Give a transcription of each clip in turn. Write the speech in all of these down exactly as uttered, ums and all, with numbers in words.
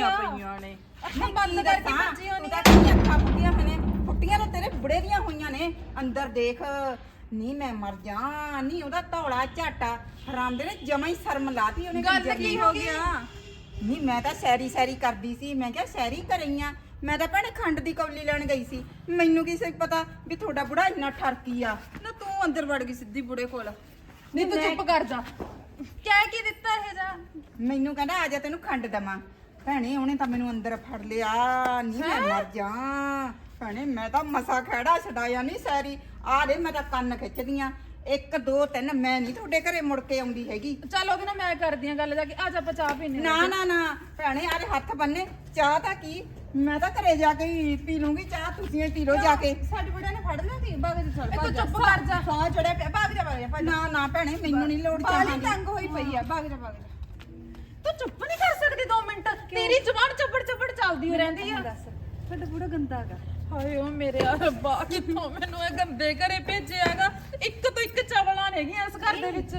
ਫੁੱਟੀਆਂ ਪਈਆਂ ਨੇ ਅੱਖਾਂ ਬੰਦ ਕਰਕੇ ਭੱਜੀਆਂ ਨਹੀਂ ਤਾਂ ਅੱਖਾਂ ਫੁੱਟੀਆਂ ਹੋਈਆਂ ਨੇ ਫੁੱਟੀਆਂ ਤਾਂ ਤੇਰੇ ਬੁੜੇ ਦੀਆਂ ਹੋਈਆਂ ਨੇ ਅੰਦਰ ਦੇਖ ਨਹੀਂ ਮੈਂ ਮਰ ਜਾ ਨਹੀਂ ਉਹਦਾ ਧੌਲਾ ਝਾਟਾ ਹਰਾਮ ਦੇ ਨੇ ਜਮਾ ਹੀ ਸ਼ਰਮ ਲਾਤੀ ਉਹਨੇ ਗੱਲ ਕੀ ਹੋ ਗਿਆ ਨਹੀਂ ਮੈਂ ਤਾਂ ਸੈਰੀ ਸੈਰੀ ਕਰਦੀ ਸੀ ਮੈਂ ਕਿਹਾ ਸੈਰੀ ਕਰਈਆਂ ਮੈਂ ਤਾਂ ਭੈਣੇ ਖੰਡ ਦੀ ਕੌਲੀ ਲੈਣ ਗਈ ਸੀ ਮੈਨੂੰ ਕੀ ਸੀ ਪਤਾ ਵੀ ਤੁਹਾਡਾ ਬੁੜਾ ਇੰਨਾ ਠਰਕੀ ਆ ਨਾ ਤੂੰ ਅੰਦਰ ਵੜ ਗਈ ਸਿੱਧੀ ਬੁੜੇ ਕੋਲ ਨਹੀਂ ਤੂੰ ਚੁੱਪ ਕਰ ਜਾ ਕਹਿ ਕੀ ਦਿੱਤਾ ਇਹ ਜਾ ਮੈਨੂੰ ਕਹਿੰਦਾ ਆ ਜਾ ਤੈਨੂੰ ਖੰਡ ਦਵਾਂ ਭੈਣੇ ਉਹਨੇ ਤਾਂ ਮੈਨੂੰ ਅੰਦਰ ਫੜ ਲਿਆ ਨਹੀਂ ਮੈਂ ਮਰ ਜਾ ਭੈਣੇ ਮੈਂ ਤਾਂ ਮਸਾ ਖੜਾ ਛਡਾਇਆ ਨਹੀਂ ਸੈਰੀ ਆ ਦੇ ਮੈਂ ਤਾਂ ਕੰਨ ਖਿੱਚਦੀਆਂ ਇੱਕ ਦੋ ਤਿੰਨ ਮੈਂ ਨਹੀਂ ਤੁਹਾਡੇ ਘਰੇ ਮੁੜ ਕੇ ਆਉਂਦੀ ਹੈਗੀ ਚੱਲ ਉਹਦੇ ਨਾਲ ਮੈਂ ਕਰਦੀ ਆ ਗੱਲ ਜਾ ਕੇ ਆ ਜਾ ਆਪਾਂ ਚਾਹ ਪੀਨੇ ਨਾ ਨਾ ਨਾ ਭੈਣੇ ਆਰੇ ਹੱਥ ਬੰਨੇ ਚਾਹ ਤਾਂ ਕੀ ਮੈਂ ਤਾਂ ਘਰੇ ਜਾ ਕੇ ਹੀ ਪੀ ਲੂੰਗੀ ਚਾਹ ਤੁਸੀਂ ਪੀ ਲਓ ਜਾ ਕੇ ਸਾਡੇ ਬੁੜਿਆਂ ਨੇ ਫੜ ਲਿਆ ਸੀ ਬਾਗ ਦੇ ਚੱਲ ਤੂੰ ਚੁੱਪ ਕਰ ਜਾ ਸਾਹ ਚੜਿਆ ਪਿਆ ਭਾਗ ਜਾ ਭਾਗ ਜਾ ਨਾ ਨਾ ਭੈਣੇ ਮੈਨੂੰ ਨਹੀਂ ਲੋੜ ਚਾਹ ਦੀ ਤੰਗ ਹੋਈ ਪਈ ਆ ਬਾਗ ਜਾ ਬਾਗ ਜਾ ਤੂੰ ਚੁੱਪ ਨਹੀਂ ਕਰ ਸਕਦੀ ਦੋ ਮਿੰਟ ਤੇਰੀ ਜ਼ੁਬਾਨ ਚੱਪੜ ਚੱਪੜ ਚੱਲਦੀ ਹੋ ਰਹਿੰਦੀ ਆ ਸਾਡਾ ਬੁੜਾ ਗੰਦਾ ਹੈਗਾ ਹਾਏ ਓ ਮੇਰੇ ਰੱਬਾ ਕਿੱਥੋਂ ਮੈਨੂੰ ਇਹ ਗੰਦੇ ਘਰੇ ਭੇਜਿਆਗਾ ਇੱਕ ਤੋਂ ਇੱਕ ਚਵਲਾਂ ਨੇਗੀਆਂ ਇਸ ਘਰ ਦੇ ਵਿੱਚ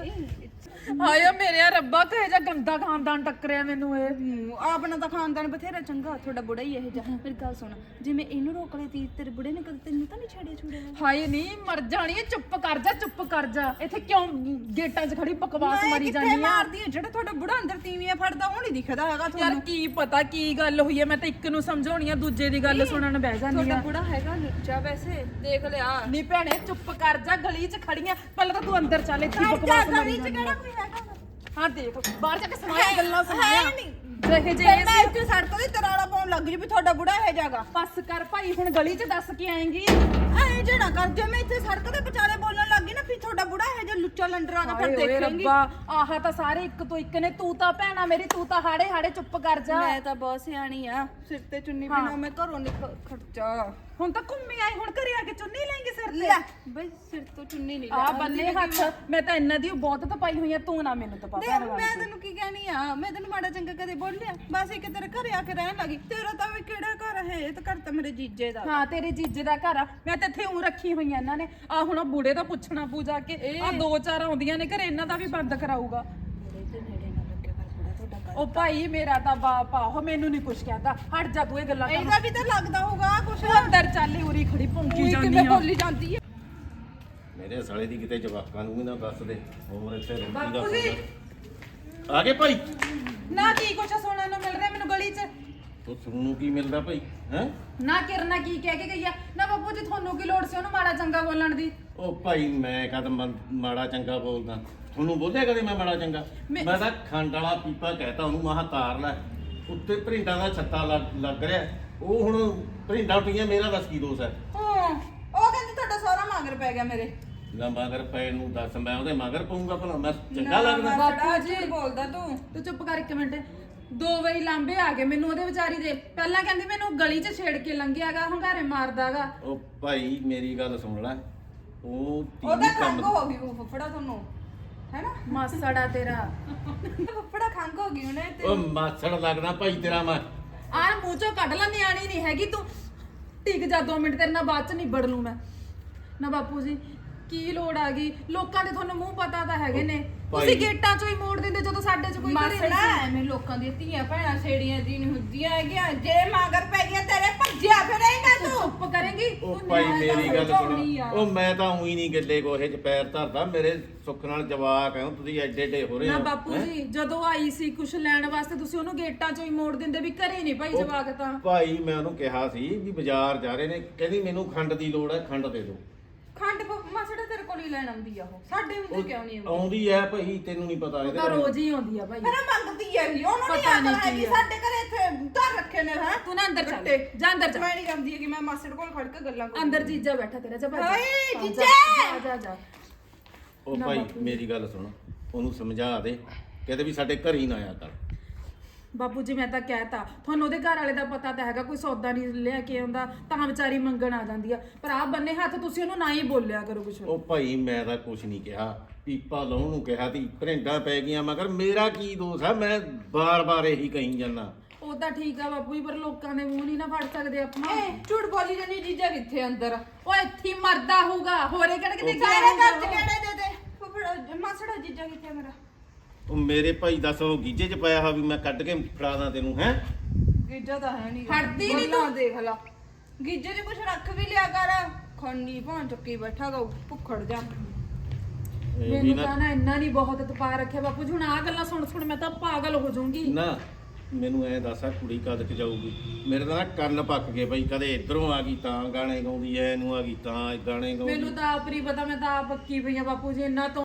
ਹਾਏ ਓ ਮੇਰੇ ਰੱਬਾ ਕਹੇ ਜਾ ਗੰਦਾ ਖਾਨਦਾਨ ਟੱਕਰਿਆ ਮੈਨੂੰ ਇਹ ਆਪਣਾ ਤਾਂ ਖਾਨਦਾਨ ਬਥੇਰਾ ਚੰਗਾ ਤੁਹਾਡਾ ਬੁੜਾ ਹੀ ਇਹ ਜਾ ਮੇਰੀ ਗੱਲ ਸੁਣ ਜਿਵੇਂ ਇਹਨੂੰ ਰੋਕ ਲਈ ਤੀ ਤੇਰੇ ਬੁੜੇ ਨੇ ਕਦੇ ਤੈਨੂੰ ਤਾਂ ਨਹੀਂ ਛੱਡਿਆ ਛੁੜਿਆ ਹਾਏ ਨਹੀਂ ਮਰ ਜਾਣੀ ਹੈ ਚੁੱਪ ਕਰ ਜਾ ਚੁੱਪ ਕਰ ਜਾ ਇੱਥੇ ਕਿਉਂ ਗੇਟਾਂ 'ਚ ਖੜੀ ਬਕਵਾਸ ਮਾਰੀ ਜਾਂਦੀ ਆ ਮਾਰਦੀ ਹੈ ਜਿਹੜਾ ਤੁਹਾਡਾ ਬੁੜਾ ਅੰਦਰ ਤੀਵੀਆਂ ਫੜਦਾ ਉਹ ਨਹੀਂ ਦਿਖਦਾ ਹੈਗਾ ਯਾਰ ਤੁਹਾਨੂੰ ਕੀ ਪਤਾ ਕੀ ਗੱਲ ਹੋਈ ਹੈ ਮੈਂ ਤਾਂ ਇੱਕ ਨੂੰ ਸਮਝਾਉਣੀ ਆ ਦੂਜੇ ਦੀ ਗੱਲ ਸੁਣਨ ਬਹਿ ਜਾਂਦੀ ਤੁਹਾਡਾ ਆ ਬੁੜਾ ਹੈਗਾ ਲੁੱਚਾ ਵੈਸੇ ਦੇਖ ਲਿਆ ਨਹੀਂ ਭੈਣੇ ਚੁੱਪ ਕਰ ਜਾ ਗਲੀ 'ਚ ਖੜੀਆਂ ਪਹਿਲਾਂ ਤਾਂ ਤੂੰ ਅੰਦਰ ਚੱਲ ਇੱਥੇ ਬਕਵਾਸ ਮਾਰੀ ਜਾਂਦੀ ਆ ਕੋਈ ਹੈਗਾ ਹਾਂ ਦੇਖ ਬਾਹਰ ਜਾ ਕੇ ਸੁਣਾਇਆ ਗੱਲਾਂ ਸੁਣਾਇਆ ਨਹੀਂ ਜਿਹੇ ਜੇ ਮੈਂ ਇੱਥੇ ਸੜਕ ਤੇ ਤਰਾਲਾ ਪਾਉਣ ਲੱਗ ਜੀ ਵੀ ਤੁਹਾਡਾ ਬੁੜਾ ਇਹ ਜਾਗਾ ਬਸ ਕਰ ਭਾਈ ਹੁਣ ਗਲੀ 'ਚ ਦੱਸ ਕੇ ਆਏਂਗੀ ਐ ਜਿਹੜਾ ਕਰ ਜੇ ਮੈਂ ਇੱਥੇ ਸੜਕ ਤੇ ਵਿਚਾਲੇ ਬੋਲਣ ਲੱਗੀ ਨਾ ਫਿਰ ਤੁਹਾਡਾ ਬੁੜਾ ਇਹ ਜੇ ਲੁੱਚਾ ਲੰਡਰਾ ਦਾ ਫਿਰ ਓਏ ਦੇਖਾਂਗੀ ਰੱਬਾ ਆਹ ਤਾਂ ਸਾਰੇ ਇੱਕ ਤੋਂ ਇੱਕ ਨੇ ਤੂੰ ਤਾਂ ਭੈਣਾ ਮੇਰੀ ਤੂੰ ਤਾਂ ਹਾੜੇ ਹਾੜੇ ਚੁੱਪ ਕਰ ਜਾ ਮੈਂ ਤਾਂ ਬਹੁਤ ਸਿਆਣੀ ਆ ਸਿਰ ਤੇ ਚੁੰਨੀ ਬਿਨਾ ਮੈਂ ਘਰੋਂ ਨਿਕਲ ਖਰਚਾ ਹੁਣ ਤਾਂ ਘੁੰਮੀ ਆਈ ਹੁਣ ਘਰੇ ਆ ਕੇ ਚੁੰਨੀ ਲੈਂਗੇ ਸਿਰ ਤੇ ਲੈ ਬਈ ਸਿਰ ਤੋਂ ਚੁੰਨੀ ਨਹੀਂ ਆ ਬੰਨੇ ਹੱਥ ਮੈਂ ਤਾਂ ਇਹਨਾਂ ਦੀ ਬਹੁਤ ਤਪਾਈ ਹੋਈ ਆ ਤੂੰ ਨਾ ਮੈਨੂੰ ਤਪਾ ਦੇਖ ਮੈਂ ਤੈਨੂੰ ਕੀ ਕਹਿਣੀ ਆ ਮੈਂ ਤੈਨੂੰ ਮਾੜਾ ਚੰਗਾ ਕਦੇ ਬੋਲਿਆ ਬਸ ਇੱਕ ਤੇਰੇ ਘਰੇ ਆ ਕੇ ਰਹਿਣ ਲੱਗੀ ਤੇਰਾ ਤਾਂ ਵੀ ਕਿਹੜਾ ਘਰ ਹੈ ਇਹ ਤਾਂ ਘਰ ਤਾਂ ਮੇਰੇ ਜੀਜੇ ਦਾ ਹਾਂ ਤੇਰੇ ਜੀਜੇ ਦਾ ਘਰ ਆ ਮੈਂ ਤਾਂ ਇੱਥੇ ਉਂ ਰੱਖੀ ਹੋਈ ਆ ਇਹਨਾਂ ਨੇ ਆ ਹੁਣ ਬੂੜੇ ਦਾ ਪੁੱਛਣਾ ਪੂਜਾ ਕੇ ਆ ਦੋ ਚਾਰ ਆਉਂਦੀਆਂ ਨੇ ਘਰੇ ਇਹਨਾਂ ਦਾ ਵੀ ਬੰਦ ਕਰਾਊਗਾ ਉਹ ਭਾਈ ਮੇਰਾ ਤਾਂ ਬਾਪ ਆ ਉਹ ਮੈਨੂੰ ਨਹੀਂ ਕੁਛ ਕਹਿੰਦਾ ਹਟ ਜਾ ਤੂੰ ਇਹ ਗੱਲਾਂ ਕਰ ਇਹਦਾ ਵੀ ਤਾਂ ਲੱਗਦਾ ਹੋਊਗਾ ਕੁਛ ਅੰਦਰ ਚੱਲ ਉਰੀ ਖੜੀ ਭੌਂਕੀ ਜਾਂਦੀ ਕਿਵੇਂ ਆ ਬੋਲੀ ਜਾਂਦੀ ਹੈ ਮੇਰੇ ਸਾਲੇ ਦੀ ਕਿਤੇ ਜਵਾਕਾਂ ਨੂੰ ਵੀ ਨਾ ਦੱਸ ਦੇ ਹੋਰ ਇੱਥੇ ਰੋਟੀ ਦਾ ਫੋਨ ਆ ਗਏ ਭਾਈ ਨਾ ਕੀ ਕੁਛ ਸੁਣਨ ਨੂੰ ਮਿਲ ਰਿਹਾ ਮੈਨੂੰ ਗਲੀ 'ਚ ਤੂੰ ਸੁਣਨ ਨੂੰ ਕੀ ਮਿਲਦਾ ਭਾਈ ਹੈ ਨਾ ਕਿਰਨਾ ਕੀ ਕਹਿ ਕੇ ਗਈ ਆ ਨਾ ਬਾਪੂ ਜੀ ਤੁਹਾਨੂੰ ਕੀ ਲੋੜ ਸੀ ਉਹਨੂੰ ਮਾੜਾ ਚੰਗਾ ਬੋਲਣ ਦੀ ਉਹ ਭਾਈ ਮੈਂ ਕਦ ਮਾੜਾ ਚੰਗਾ ਬੋਲਦਾ ਤੁਹਾਨੂੰ ਬੋਲਿਆ ਕਦੇ ਮੈਂ ਮਾੜਾ ਚੰਗਾ ਮੈਂ- ਮੈਂ ਤਾਂ ਖੰਡ ਵਾਲਾ ਪੀਪਾ ਕਹਿਤਾ ਉਹਨੂੰ ਮਹਾ ਤਾਰ ਲੈ ਉੱਤੇ ਭਰਿੰਡਾਂ ਦਾ ਛੱਤਾ ਲੱਗ ਲੱਗ ਰਿਹਾ ਉਹ ਹੁਣ ਭਰਿੰਡਾਂ ਉੱਠੀਆਂ ਮੇਰਾ ਦੱਸ ਕੀ ਦੋਸ਼ ਹੈ ਹਾਂ ਉਹ ਕਹਿੰਦੀ ਤੁਹਾਡਾ ਸਾਰਾ ਮਗਰ ਪੈ ਗਿਆ ਮੇਰੇ ਨਾ ਮਗਰ ਪੈਣ ਨੂੰ ਦੱਸ ਮੈਂ ਉਹਦੇ ਮਗਰ ਪਊਂਗਾ ਭਲਾ ਮੈਂ ਚੰਗਾ ਲੱਗਦਾ ਬਾਪੂ ਜੀ ਬੋਲਦਾ ਤੂੰ ਤੂੰ ਚੁੱਪ ਕਰ ਇੱਕ ਮਿੰਟ ਦੋ ਵਾਰੀ ਲਾਂਬੇ ਆ ਗਏ ਮੈਨੂੰ ਉਹਦੇ ਵਿਚਾਰੀ ਦੇ ਪਹਿਲਾਂ ਕਹਿੰਦੀ ਮੈਨੂੰ ਗਲੀ 'ਚ ਛੇੜ ਕੇ ਲੰਘਿਆਗਾ ਹੰਗਾਰੇ ਮਾਰਦਾਗਾ ਉਹ ਭਾਈ ਮੇਰੀ ਗੱਲ ਸੁਣ ਲੈ ਉਹ ਉਹਦਾ ਤੀਵੀਂ ਖੰਗ ਕੰਮ ਹੋ ਗਈ ਉਹ ਫੁੱਫੜਾ ਤੁਹਾਨੂੰ ਹੈਨਾ ਮਾਸੜਾ ਤੇਰਾ ਫੁੱਫੜਾ ਖੰਗ ਹੋ ਗਈ ਉਹਨੇ ਤੇ ਉਹ ਮਾਛੜ ਲੱਗਦਾ ਭਾਈ ਤੇਰਾ ਮੈਂ ਆਹ ਮੂੰਹ ਚੋਂ ਕੱਢ ਲੈ ਨਿਆਣੀ ਨਹੀਂ ਹੈਗੀ ਤੂੰ ਟਿਕ ਜਾ ਦੋ ਮਿੰਟ ਤੇਰੇ ਨਾਲ ਬਾਅਦ 'ਚ ਨਿਬੜ ਲੂੰ ਮੈਂ ਨਾ ਬਾਪੂ ਜੀ ਕੀ ਲੋੜ ਆ ਗਈ ਲੋਕਾਂ ਦੇ ਤੁਹਾਨੂੰ ਮੂੰਹ ਪਤਾ ਤਾਂ ਹੈਗੇ ਨੇ ਤੁਸੀਂ ਗੇਟਾਂ 'ਚੋਂ ਹੀ ਮੋੜ ਦਿੰਦੇ ਜਦੋਂ ਸਾਡੇ 'ਚ ਕੋਈ ਘਰੇ ਮਾਸੜਾ ਨਹੀਂ ਐਵੇਂ ਲੋਕਾਂ ਦੀਆਂ ਧੀਆਂ ਭੈਣਾਂ ਛੇੜੀਆਂ ਦੀ ਨਹੀਂ ਹੁੰਦੀਆਂ ਹੈਗੀਆਂ ਜੇ ਮਗਰ ਪੈ ਗਿਆ ਤੇਰੇ ਭੱਜਿਆ ਫਿਰੇਗਾ ਤੂੰ ਤੂੰ ਚੁੱਪ ਕਰੇਂਗੀ ਉਹ ਤੂੰ ਭਾਈ ਨਿਆਣੇ ਦਾ ਮੇਰੀ ਗੱਲ ਸਮਝਾਉਣੀ ਸੁਣ ਆ। ਉਹ ਮੈਂ ਤਾਂ ਉਹੀ ਨਹੀਂ ਗੱਲੇ ਕੋਹੇ ਚ ਪੈਰ ਧਰਦਾ ਮੇਰੇ ਸੁੱਖ ਨਾਲ ਜਵਾਕ ਹੈ ਤੁਸੀਂ ਐਡੇ ਏਡੇ ਹੋ ਰਹੇ ਨਾ ਹੋ ਬਾਪੂ ਹੈਂ? ਜੀ ਜਦੋਂ ਆਈ ਸੀ ਕੁਛ ਲੈਣ ਵਾਸਤੇ ਤੁਸੀਂ ਉਹਨੂੰ ਗੇਟਾਂ 'ਚੋਂ ਹੀ ਮੋੜ ਦਿੰਦੇ ਵੀ ਘਰੇ ਨਹੀਂ ਭਾਈ ਉਹ ਜਵਾਕ ਤਾਂ ਭਾਈ ਮੈਂ ਉਹਨੂੰ ਕਿਹਾ ਸੀ ਵੀ ਬਾਜ਼ਾਰ ਜਾ ਰਹੇ ਨੇ ਕਹਿੰਦੀ ਮੈਨੂੰ ਖੰਡ ਦੀ ਲੋੜ ਹੈ ਖੰਡ ਦੇ ਦਿਓ ਖੰਡ ਮਾਸੜਾ ਤੇਰੇ ਕੋਲ ਹੀ ਲੈਣ ਆਉਂਦੀ ਆ ਉਹ ਸਾਡੇ ਹੁੰਦੇ ਕਿਉਂ ਨਹੀਂ ਆਉਂਦੀ ਆਉਂਦੀ ਹੈ ਭਾਈ ਤੈਨੂੰ ਨਹੀਂ ਪਤਾ ਉਹ ਇਹਦੇ ਤਾਂ ਬਾਰੇ। ਰੋਜ਼ ਹੀ ਆਉਂਦੀ ਆ ਭਾਈ ਫਿਰ ਮੰਗਦੀ ਹੈ ਵੀ ਉਹਨੂੰ ਨਹੀਂ ਪਤਾ ਨੀ ਆਖਣਾ ਕੀ ਕਿ ਆ। ਸਾਡੇ ਘਰੇ ਇੱਥੇ ਧਰ ਰੱਖੇ ਨੇ ਹੈ ਤੂੰ ਨਾ ਅੰਦਰ ਚੱਲ ਗੱਟੇ। ਜਾ ਅੰਦਰ ਚੱਲ ਮੈਂ ਨਹੀਂ ਜਾਂਦੀ ਹੈ ਕਿ ਮੈਂ ਮਾਸੜ ਕੋਲ ਖੜ ਕੇ ਗੱਲਾਂ ਕਰਾਂ ਅੰਦਰ ਜੀਜਾ ਬੈਠਾ ਤੇਰਾ ਜਾ ਭੱਜ ਜਾ। ਹਾਏ, ਹਾਂ, ਜਾ, ਜੀਜਾ! ਜਾ ਜਾ ਉਹ ਨਾ ਭਾਈ ਬਾਪੂ। ਮੇਰੀ ਗੱਲ ਸੁਣ ਉਹਨੂੰ ਸਮਝਾ ਦੇ ਕਹਿੰਦੇ ਵੀ ਸਾਡੇ ਘਰ ਹੀ ਨਾ ਆਇਆ ਕਰ ਬਾਪੂ ਜੀ ਮੈਂ ਤਾਂ ਕਹਿਤਾ ਤੁਹਾਨੂੰ ਉਹਦੇ ਘਰ ਵਾਲੇ ਦਾ ਪਤਾ ਤਾਂ ਹੈਗਾ ਕੋਈ ਸੌਦਾ ਨਹੀਂ ਲਿਆ ਕੇ ਆਉਂਦਾ ਤਾਂ ਵਿਚਾਰੀ ਮੰਗਣ ਆ ਜਾਂਦੀ ਆ ਪਰ ਆ ਬੰਨੇ ਹੱਥ ਤੁਸੀਂ ਉਹਨੂੰ ਨਾ ਹੀ ਬੋਲਿਆ ਕਰੋ ਕੁਛ ਉਹ ਭਾਈ ਮੈਂ ਤਾਂ ਕੁਝ ਨਹੀਂ ਕਿਹਾ ਪੀਪਾ ਲਾਉਣ ਨੂੰ ਕਿਹਾ ਤੀ ਭਰਿੰਡਾਂ ਪੈ ਗਈਆਂ ਮਗਰ ਮੇਰਾ ਕੀ ਦੋਸ਼ ਹੈ ਮੈਂ ਬਾਰ-ਬਾਰ ਇਹੀ ਕਹੀ ਜਾਂਦਾ ਉਹ ਤਾਂ ਠੀਕ ਆ ਬਾਪੂ ਜੀ ਪਰ ਲੋਕਾਂ ਦੇ ਮੂੰਹ ਨਹੀਂ ਨਾ ਫੜ ਸਕਦੇ ਆਪਾਂ ਏ ਝੂਠ ਬੋਲੀ ਜਾਨੀ ਜੀਜਾ ਕਿੱਥੇ ਅੰਦਰ ਉਹ ਇੱਥੇ ਹੀ ਮਰਦਾ ਹੋਊਗਾ ਹੋਰੇ ਕਿਹੜੇ ਕਿਤੇ ਗਿਆ ਸਾਰੇ ਘਰ ਚ ਹੋਊਗਾ। ਕਿਹੜੇ ਦੇ ਦੇ ਫੁੱਫੜਾ ਮਾਸੜਾ ਜੀਜਾ ਕਿੱਥੇ ਮੇਰਾ ਉਹ ਮੇਰੇ ਭਾਈ ਦੱਸ ਉਹ ਗੀਜੇ 'ਚ ਪਾਇਆ ਹਾ ਵੀ ਮੈਂ ਕੱਢ ਕੇ ਫੜਾ ਦਾਂ ਤੈਨੂੰ ਹੈ ਗੀਜਾ ਤਾਂ ਹੈ ਨਹੀਂ ਹਟਦੀ ਨੀ ਤੂੰ। ਦੇਖ ਲਾ ਗੀਜੇ 'ਚ ਕੁਛ ਰੱਖ ਵੀ ਲਿਆ ਕਰ ਖੰਡੀ ਭਾਂ ਚੱਕੀ ਬੈਠਾ ਗਾ ਭੁੱਖੜ ਜਾ ਇਹ ਵੀ ਮੈਨੂੰ ਨਾ ਤਾਂ ਨਾ ਇੰਨਾ ਨਹੀਂ ਬਹੁਤ ਤਪਾ ਰੱਖਿਆ ਬਾਪੂ ਜੀ ਹੁਣ ਆ ਗੱਲਾਂ ਸੁਣ ਸੁਣ ਮੈਂ ਤਾਂ ਪਾਗਲ ਹੋ ਜਾਊਂਗੀ। ਨਾ ਮੈਨੂੰ ਐ ਦੱਸ ਆ ਕੁੜੀ ਕਦ ਕ ਜਾਊਗੀ? ਮੇਰੇ ਤਾਂ ਨਾ ਕੰਨ ਪੱਕ ਗਏ ਬਈ, ਕਦੇ ਇਧਰੋਂ ਆ ਗਈ ਤਾਂ ਗਾਣੇ ਗਾਉਂਦੀ ਐ, ਇਹਨੂੰ ਆ ਗਈ ਤਾਂ ਗਾਣੇ ਗਾਉਂਦੀ। ਮੈਨੂੰ ਤਾਂ ਆਪ ਨਹੀਂ ਪਤਾ, ਮੈਂ ਤਾਂ ਆਪ ਪੱਕੀ ਪਈ ਆ ਬਾਪੂ ਜੀ, ਇੰਨਾ ਤੋਂ